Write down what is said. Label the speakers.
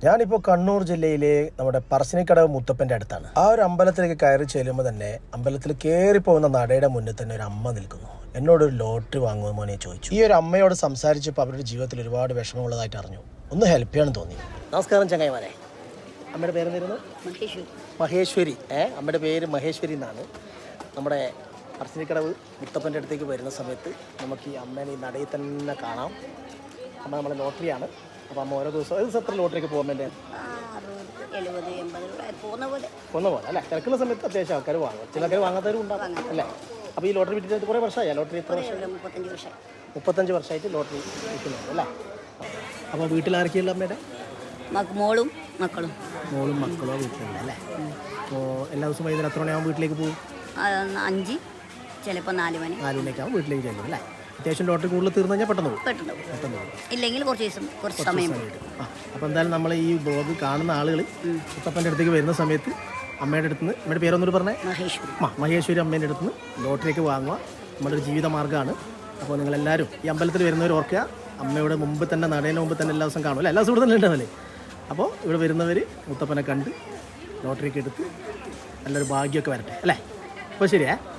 Speaker 1: ഞാനിപ്പോൾ കണ്ണൂർ ജില്ലയിലെ നമ്മുടെ പറശ്ശിനിക്കടവ് മുത്തപ്പൻ്റെ അടുത്താണ്. ആ ഒരു അമ്പലത്തിലേക്ക് കയറി ചെല്ലുമ്പോൾ തന്നെ അമ്പലത്തിൽ കയറി പോകുന്ന നടയുടെ മുന്നിൽ തന്നെ ഒരു അമ്മ നിൽക്കുന്നു. എന്നോടൊരു ലോട്ടറി വാങ്ങുമോ എന്ന് ചോദിച്ചു. ഈ ഒരു അമ്മയോട് സംസാരിച്ചപ്പോൾ അവരുടെ ജീവിതത്തിൽ ഒരുപാട് വിഷമമുള്ളതായിട്ട് അറിഞ്ഞു. ഒന്ന് ഹെൽപ്പ് ചെയ്യാൻ തോന്നി. നമസ്കാരം ചങ്ങായിമാരെ. അമ്മയുടെ പേരെന്തായിരുന്നു? മഹേശ്വരി. അമ്മയുടെ പേര് മഹേശ്വരി എന്നാണ്. നമ്മുടെ പറശ്ശിനിക്കടവ് മുത്തപ്പൻ്റെ അടുത്തേക്ക് വരുന്ന സമയത്ത് നമുക്ക് ഈ അമ്മേനെ ഈ നടയിൽ തന്നെ കാണാം. അമ്മ നമ്മുടെ ലോട്ടറിയാണ്. അപ്പോൾ അമ്മ ഓരോ ദിവസം എത്ര ലോട്ടറിക്ക് പോകാൻ വേണ്ടി?
Speaker 2: 60, 80
Speaker 1: പോകുന്ന പോലെ അല്ലേ? തിരക്കുള്ള സമയത്ത് അത്യാവശ്യം ആൾക്കാർ വാങ്ങും, ചില ആൾക്കാർ വാങ്ങാത്തവരും ഉണ്ടാകും അല്ലേ? അപ്പോൾ ഈ ലോട്ടറി വിറ്റിട്ട് കുറേ വർഷമായി? ലോട്ടറി എത്ര വർഷം? 35 വർഷമായിട്ട് ലോട്ടറി വിൽക്കുന്നുണ്ട് അല്ലേ? അപ്പോൾ വീട്ടിൽ ആരൊക്കെയുള്ള അമ്മയുടെ?
Speaker 2: മോളും മക്കളും
Speaker 1: വീട്ടിലുണ്ട് അല്ലേ? അപ്പോൾ എല്ലാ ദിവസവും വൈകുന്നേരം എത്ര മണിയാകുമ്പോൾ വീട്ടിലേക്ക് പോകും?
Speaker 2: 5, ചിലപ്പോൾ 4
Speaker 1: മണിയാകുമ്പോൾ വീട്ടിലേക്ക് ചെല്ലും അല്ലേ? അത്യാവശ്യം ലോട്ടറി കൂടുതൽ തീർന്നു കഴിഞ്ഞാൽ പെട്ടെന്ന് പോകും.
Speaker 2: ഇല്ലെങ്കിൽ കുറച്ച് സമയം.
Speaker 1: അപ്പോൾ എന്തായാലും നമ്മൾ ഈ ബ്ലോഗ് കാണുന്ന ആളുകൾ മുത്തപ്പൻ്റെ അടുത്തേക്ക് വരുന്ന സമയത്ത് അമ്മയുടെ അടുത്ത് നിന്ന്, അമ്മയുടെ പേരൊന്നൂർ പറഞ്ഞേ? മഹേശ്വരി അമ്മേൻ്റെ അടുത്ത് നിന്ന് ലോട്ടറിയൊക്കെ വാങ്ങുക നമ്മുടെ ഒരു ജീവിത മാർഗ്ഗമാണ്. അപ്പോൾ നിങ്ങളെല്ലാവരും ഈ അമ്പലത്തിൽ വരുന്നവർ ഓർക്കുക, അമ്മയുടെ മുമ്പ് തന്നെ നടേൻ്റെ മുമ്പ് തന്നെ എല്ലാ ദിവസം കാണും അല്ലേ? എല്ലാ ദിവസവും ഇവിടെ തന്നെ ഉണ്ടാവല്ലേ? അപ്പോൾ ഇവിടെ വരുന്നവർ മുത്തപ്പനെ കണ്ട് ലോട്ടറിയൊക്കെ എടുത്ത് നല്ലൊരു ഭാഗ്യമൊക്കെ വരട്ടെ അല്ലേ? അപ്പോൾ ശരിയേ.